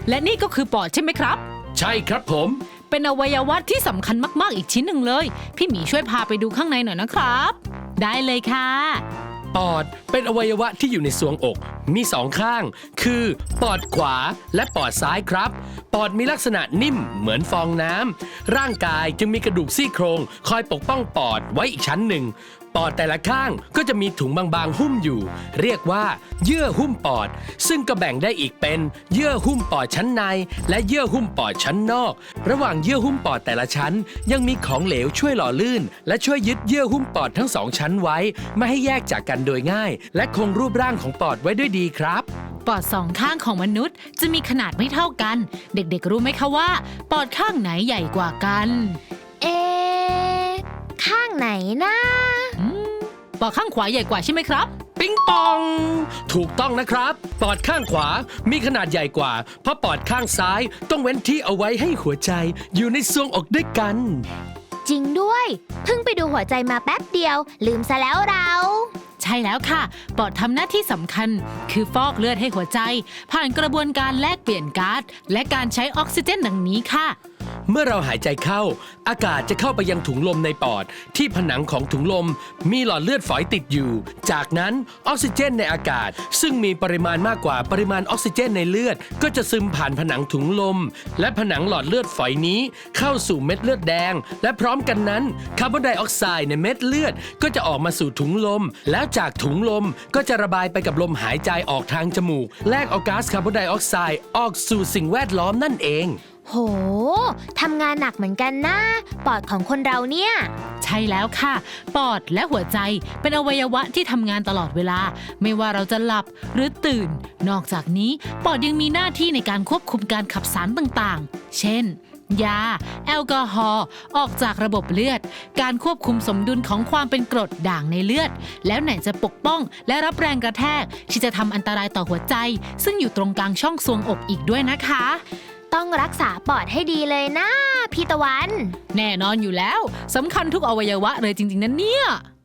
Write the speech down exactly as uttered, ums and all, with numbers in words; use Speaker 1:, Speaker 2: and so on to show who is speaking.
Speaker 1: และนี่ก็คือปอดใช่ไหมครับ
Speaker 2: ใช่ครับผม
Speaker 1: เป็นอวัยวะที่สำคัญมากๆอีกชิ้นหนึ่งเลยพี่หมีช่วยพาไปดูข้างในหน่อยนะครับได้เลยค่ะ
Speaker 2: ปอดเป็นอวัยวะที่อยู่ในทรวงอกมีสองข้างคือปอดขวาและปอดซ้ายครับปอดมีลักษณะนิ่มเหมือนฟองน้ำร่างกายจึงมีกระดูกซี่โครงคอยปกป้องปอดไว้อีกชั้นหนึ่งปอดแต่ละข้างก็จะมีถุงบางๆหุ้มอยู่เรียกว่าเยื่อหุ้มปอดซึ่งก็แบ่งได้อีกเป็นเยื่อหุ้มปอดชั้นในและเยื่อหุ้มปอดชั้นนอกระหว่างเยื่อหุ้มปอดแต่ละชั้นยังมีของเหลวช่วยหล่อลื่นและช่วยยึดเยื่อหุ้มปอดทั้งสองชั้นไว้ไม่ให้แยกจากกันโดยง่ายและคงรูปร่างของปอดไว้ด้วยดีครับ
Speaker 1: ปอดสองข้างของมนุษย์จะมีขนาดไม่เท่ากันเด็กๆรู้ไหมคะว่าปอดข้างไหนใหญ่กว่ากัน
Speaker 3: เอ๊ะข้างไหนนะ
Speaker 1: ปอดข้างขวาใหญ่กว่าใช่ไหมครับ
Speaker 2: ปิ๊งปองถูกต้องนะครับปอดข้างขวามีขนาดใหญ่กว่าเพราะปอดข้างซ้ายต้องเว้นที่เอาไว้ให้หัวใจอยู่ในทรวงอกด้วยกัน
Speaker 3: จริงด้วยเพิ่งไปดูหัวใจมาแป๊บเดียวลืมซะแล้วเรา
Speaker 1: ใช่แล้วค่ะปอดทำหน้าที่สำคัญคือฟอกเลือดให้หัวใจผ่านกระบวนการแลกเปลี่ยนก๊าซและการใช้ออกซิเจนดังนี้ค่ะ
Speaker 2: เมื่อเราหายใจเข้าอากาศจะเข้าไปยังถุงลมในปอดที่ผนังของถุงลมมีหลอดเลือดฝอยติดอยู่จากนั้นออกซิเจนในอากาศซึ่งมีปริมาณมากกว่าปริมาณออกซิเจนในเลือดก็จะซึมผ่านผนังถุงลมและผนังหลอดเลือดฝอยนี้เข้าสู่เม็ดเลือดแดงและพร้อมกันนั้นคาร์บอนไดออกไซด์ในเม็ดเลือดก็จะออกมาสู่ถุงลมแล้วจากถุงลมก็จะระบายไปกับลมหายใจออกทางจมูกแลกเอาก๊าซคาร์บอนไดออกไซด์ออกสู่สิ่งแวดล้อมนั่นเอง
Speaker 3: โหทำงานหนักเหมือนกันนะปอดของคนเราเนี่ย
Speaker 1: ใช่แล้วค่ะปอดและหัวใจเป็นอวัยวะที่ทำงานตลอดเวลาไม่ว่าเราจะหลับหรือตื่นนอกจากนี้ปอดยังมีหน้าที่ในการควบคุมการขับสารต่างๆเช่นยาแอลกอฮอล์ออกจากระบบเลือดการควบคุมสมดุลของความเป็นกรดด่างในเลือดแล้วไหนจะปกป้องและรับแรงกระแทกที่จะทำอันตรายต่อหัวใจซึ่งอยู่ตรงกลางช่องทรวงอกอีกด้วยนะคะ
Speaker 3: ต้องรักษาปอดให้ดีเลยนะพี่ตะวัน
Speaker 1: แน่นอนอยู่แล้วสำคัญทุกอวัยวะเลยจริงๆนะเนี่ย